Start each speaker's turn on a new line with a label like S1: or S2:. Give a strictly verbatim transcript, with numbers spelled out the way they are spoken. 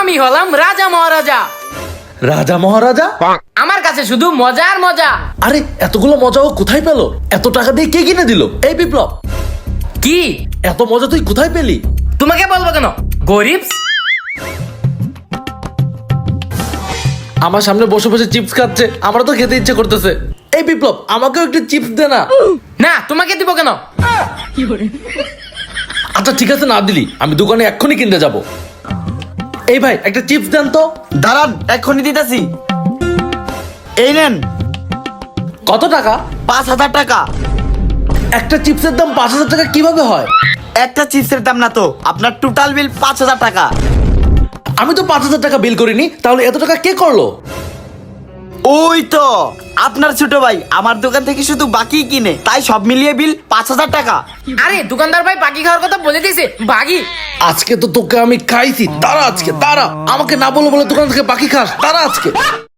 S1: আমি হলাম রাজা মহারাজা।
S2: রাজা মহারাজা?
S1: আমার কাছে শুধু মজার মজা।
S2: আরে এতগুলো মজা ও কোথায় পেলো? এত টাকা দিয়ে কে কিনে দিল? এই বিপ্লব,
S1: কি
S2: এত মজা তুই কোথায় পেলি?
S1: তোমাকে বলবো কেন, গরিব।
S2: আমার সামনে বসে বসে চিপস খাচ্ছে, আমারও তো খেতে ইচ্ছে করতেছে। এই বিপ্লব, আমাকেও একটু চিপস দে না।
S1: না, তোমাকে দিব কেন?
S2: আচ্ছা ঠিক আছে, না দিলি আমি দোকানে এক্ষুনি কিনতে যাব। এই ভাই, একটা চিপস দেন তো।
S3: দাঁড়ান, এক্ষুনি দিতেছি। এই নেন।
S2: কত টাকা?
S3: পাঁচ হাজার টাকা।
S2: একটা চিপসের দাম পাঁচ হাজার টাকা কিভাবে হয়?
S3: একটা চিপসের দাম না তো, আপনার টোটাল বিল পাঁচ হাজার টাকা।
S2: আমি তো পাঁচ হাজার টাকা বিল করিনি, তাহলে এত টাকা কে করলো?
S3: ওই তো আপনার ছোট ভাই আমার দোকান থেকে শুধু বাকি কিনে, তাই সব মিলিয়ে বিল পাঁচ হাজার টাকা।
S1: আরে দোকানদার ভাই বাকি খাওয়ার কথা বলে দিয়েছে, বাকি।
S2: আজকে তো তোকে আমি খাইছি, তারা আজকে তারা আমাকে না বলে বলে দোকান থেকে বাকি খাস, তারা আজকে।